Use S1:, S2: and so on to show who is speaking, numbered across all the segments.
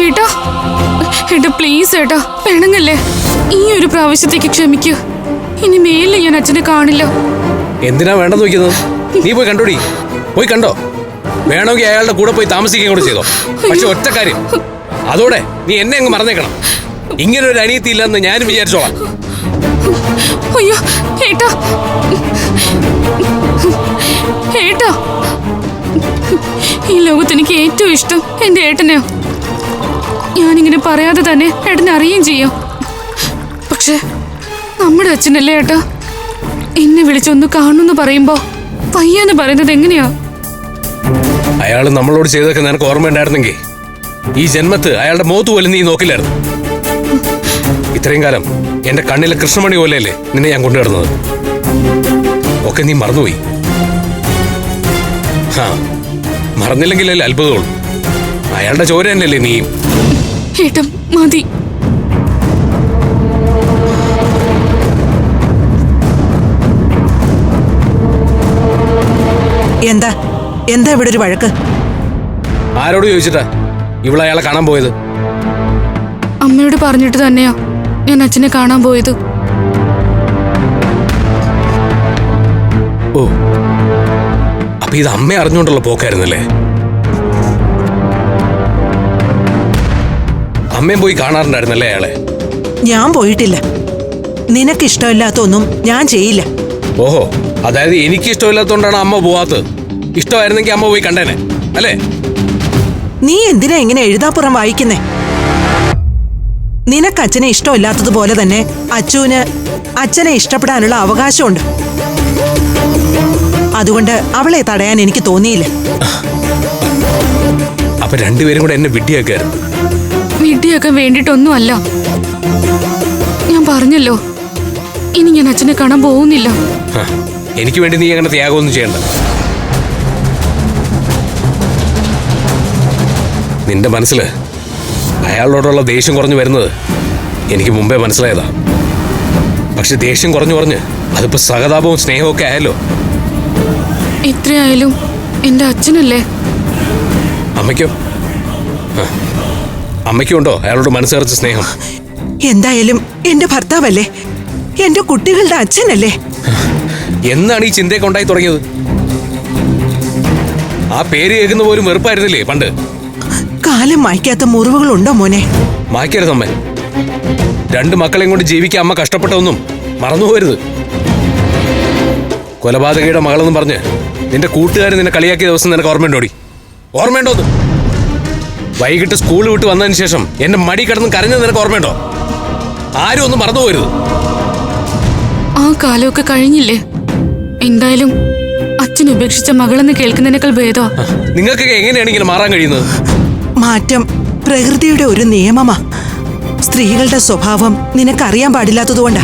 S1: ഏട്ടാ ഏട്ടാ പ്ലീസ് ഏട്ടാ, പെണങ്ങല്ലേ. ഈ ഒരു പ്രാവശ്യത്തേക്ക് ക്ഷമിക്കൂ. ഇനി മേലിൽ ഞാൻ അച്ഛനെ കാണില്ല.
S2: എന്തിനാ വേണ്ടെന്ന് വെക്കുന്നത്? നീ പോയി കണ്ടോടി, പോയി കണ്ടോ. വേണമെങ്കിൽ അയാളുടെ കൂടെ പോയി താമസിക്കുകയും കൂടെ ചെയ്തോ. പക്ഷെ ഒറ്റ കാര്യം, അതോടെ നീ എന്നെ അങ്ങ് മറന്നേക്കണം. ഇങ്ങനെ ഒരു അനിയത്തി ഇല്ലെന്ന് ഞാനും വിചാരിച്ചോളാം.
S1: അയ്യോ ഏട്ടാ, ഏട്ടാ, ഈ ലോകത്ത് എനിക്ക് ഏറ്റവും ഇഷ്ടം എന്റെ ഏട്ടനെയോ. ഞാനിങ്ങനെ പറയാതെ തന്നെ ഏട്ടനെ അറിയുകയും ചെയ്യാം. പക്ഷെ നമ്മുടെ അച്ഛനല്ലേ ഏട്ടാ, എന്നെ വിളിച്ചൊന്ന് കാണുന്നു പറയുമ്പോ പയ്യാന്ന് പറയുന്നത് എങ്ങനെയാ?
S2: അയാൾ നമ്മളോട് ചെയ്തൊക്കെ നിനക്ക് ഓർമ്മയുണ്ടായിരുന്നെങ്കിൽ ഈ ജന്മത്ത് അയാളുടെ മുഖത്ത് പോലും നീ നോക്കില്ലായിരുന്നു. ഇത്രയും കാലം എന്റെ കണ്ണിലെ കൃഷ്ണമണി പോലെയല്ലേ നിന്നെ ഞാൻ കൊണ്ടുവരുന്നത്. ഒക്കെ നീ മറന്നുപോയി. മറന്നില്ലെങ്കിലല്ലേ അത്ഭുതമുള്ളൂ. അയാളുടെ ചോര തന്നെയല്ലേ നീയും.
S1: ഏട്ടൻ മതി.
S3: എന്താ എന്താ ഇവിടെ ഒരു വഴക്ക്?
S2: ആരോട് ചോദിച്ചിട്ടാ ഇവിടെ അയാളെ കാണാൻ പോയത്?
S1: അമ്മയോട് പറഞ്ഞിട്ട് തന്നെയാ ഞാൻ അച്ഛനെ കാണാൻ പോയത്.
S2: ഓ, അപ്പൊ ഇത് അമ്മ അറിഞ്ഞുകൊണ്ടുള്ള പോക്കായിരുന്നല്ലേ? അമ്മയും പോയി കാണാറുണ്ടായിരുന്നല്ലേ അയാളെ?
S3: ഞാൻ പോയിട്ടില്ല. നിനക്ക് ഇഷ്ടമില്ലാത്തൊന്നും ഞാൻ ചെയ്യില്ല.
S2: ഓഹോ, അതായത് എനിക്ക് ഇഷ്ടമില്ലാത്തോണ്ടാണ് അമ്മ പോവാത്തത്. ഇഷ്ടമായിരുന്നെങ്കിൽ അമ്മ പോയി കണ്ടേനെ അല്ലേ?
S3: നീ എന്തിനാ ഇങ്ങനെ എഴുതാപ്പുറം വായിക്കുന്നേ? നിനക്ക് അച്ഛനെ ഇഷ്ടമില്ലാത്തതുപോലെ തന്നെ അച്ചുവിന് അച്ഛനെ ഇഷ്ടപ്പെടാനുള്ള അവകാശമുണ്ട്. അതുകൊണ്ട് അവളെ തടയാൻ എനിക്ക് തോന്നിയില്ല.
S2: അപ്പൊ രണ്ടുപേരും കൂടെ എന്നെ വിഡ്ഢിയാക്കായിരുന്നു.
S1: വിഡ്ഢിയാക്കാൻ വേണ്ടിട്ടൊന്നും അല്ല. ഞാൻ പറഞ്ഞല്ലോ, ഇനി ഞാൻ അച്ഛനെ കാണാൻ പോകുന്നില്ല.
S2: എനിക്ക് വേണ്ടി നീ അങ്ങനെ ത്യാഗമൊന്നും ചെയ്യണ്ട. നിന്റെ മനസ്സിൽ അയാളോടുള്ള ദേഷ്യം കുറഞ്ഞു വരുന്നത് എനിക്ക് മുമ്പേ മനസ്സിലായതാ. പക്ഷെ ദേഷ്യം കുറഞ്ഞു കുറഞ്ഞ് അതിപ്പോ സഹതാപവും സ്നേഹവും ഒക്കെ ആയല്ലോ.
S1: എത്രയായാലും എന്റെ അച്ഛനല്ലേ.
S2: അമ്മയ്ക്കോ? അമ്മയ്ക്കുണ്ടോ അയാളോട് മനസ്സറിച്ച സ്നേഹം?
S3: എന്തായാലും എന്റെ ഭർത്താവല്ലേ, എന്റെ കുട്ടികളുടെ അച്ഛനല്ലേ.
S2: എന്നാണ് ഈ ചിന്തയൊക്കെ ഉണ്ടായി തുടങ്ങിയത്? ആ പേര് കേൾക്കുന്ന പോലും വെറുപ്പായിരുന്നില്ലേ പണ്ട്?
S3: കാലം മായ്ക്കാത്ത മുറിവുകളുണ്ടോ മോനെ?
S2: മായ്ക്കരുത് അമ്മ. രണ്ട് മക്കളെയും കൊണ്ട് ജീവിക്കാൻ അമ്മ കഷ്ടപ്പെട്ടതൊന്നും മറന്നുപോകരുത്. കൊലപാതകയുടെ മകളെന്നും പറഞ്ഞ് നിന്റെ കൂട്ടുകാരൻ നിന്നെ കളിയാക്കിയ ദിവസം നിനക്ക് ഓർമ്മയുണ്ടോടി? ഓർമ്മയുണ്ടോന്ന്? വൈകിട്ട് സ്കൂൾ വിട്ട് വന്നതിന് ശേഷം എന്റെ മടി കിടന്ന് കരഞ്ഞത് നിനക്ക് ഓർമ്മയുണ്ടോ? ആരും ഒന്നും മറന്നുപോകരുത്.
S1: ആ കാലമൊക്കെ കഴിഞ്ഞില്ലേ. എന്തായാലും അച്ഛൻ ഉപേക്ഷിച്ച മകളെന്ന് കേൾക്കുന്നതിനേക്കാൾ ഭേദോ.
S2: നിങ്ങൾക്കൊക്കെ എങ്ങനെയാണ് ഇങ്ങനെ മാറാൻ കഴിയുന്നത്?
S3: മാറ്റം പ്രകൃതിയുടെ ഒരു നിയമമാ. സ്ത്രീകളുടെ സ്വഭാവം നിനക്കറിയാൻ പാടില്ലാത്തതുകൊണ്ടാ.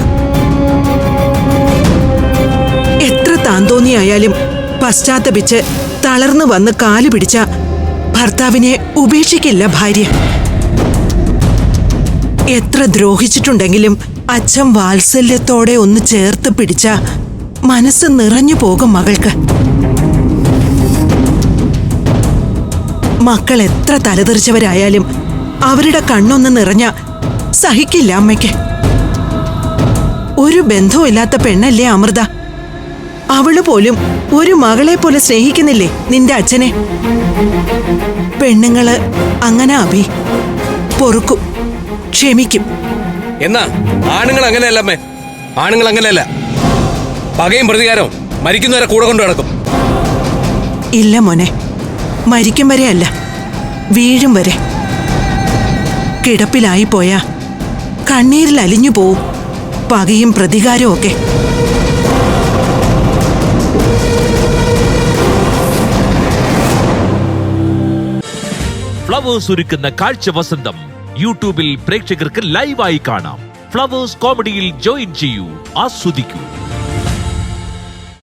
S3: എത്ര താന്തോന്നിയായാലും പശ്ചാത്തപിച്ച് തളർന്നു വന്ന് കാല് പിടിച്ച ഭർത്താവിനെ ഉപേക്ഷിക്കില്ല ഭാര്യ. എത്ര ദ്രോഹിച്ചിട്ടുണ്ടെങ്കിലും അച്ഛൻ വാത്സല്യത്തോടെ ഒന്ന് ചേർത്ത് പിടിച്ച മനസ്സ് നിറഞ്ഞു പോകും മകൾക്ക്. മക്കൾ എത്ര തലതെറിച്ചവരായാലും അവരുടെ കണ്ണൊന്ന് നിറഞ്ഞ സഹിക്കില്ല അമ്മയ്ക്ക്. ഒരു ബന്ധവുമില്ലാത്ത പെണ്ണല്ലേ അമൃത. അവള് പോലും ഒരു മകളെ പോലെ സ്നേഹിക്കുന്നില്ലേ നിന്റെ അച്ഛനെ? പെണ്ണുങ്ങള് അങ്ങനെ അഭി പൊറുക്കും, ക്ഷമിക്കും.
S2: എന്നാ ആണുങ്ങൾ അങ്ങനെയല്ല അമ്മേ. ആണുങ്ങൾ അങ്ങനെയല്ല. പകയും പ്രതികാരവും മരിക്കുന്നവരെ കൂടെ കൊണ്ടു നടക്കും.
S3: ഇല്ല മോനെ, മരിക്കും വരെ അല്ല, വീഴും വരെ. കിടപ്പിലായി പോയാ കണ്ണീരിൽ അലിഞ്ഞു പോവും പകയും പ്രതികാരവും ഒക്കെ.
S4: ഫ്ലവേഴ്സ് ഒരുക്കുന്ന കാഴ്ച വസന്തം യൂട്യൂബിൽ പ്രേക്ഷകർക്ക് ലൈവായി കാണാം. ഫ്ലവേഴ്സ് കോമഡിയിൽ ജോയിൻ ചെയ്യൂ, ആസ്വദിക്കൂ.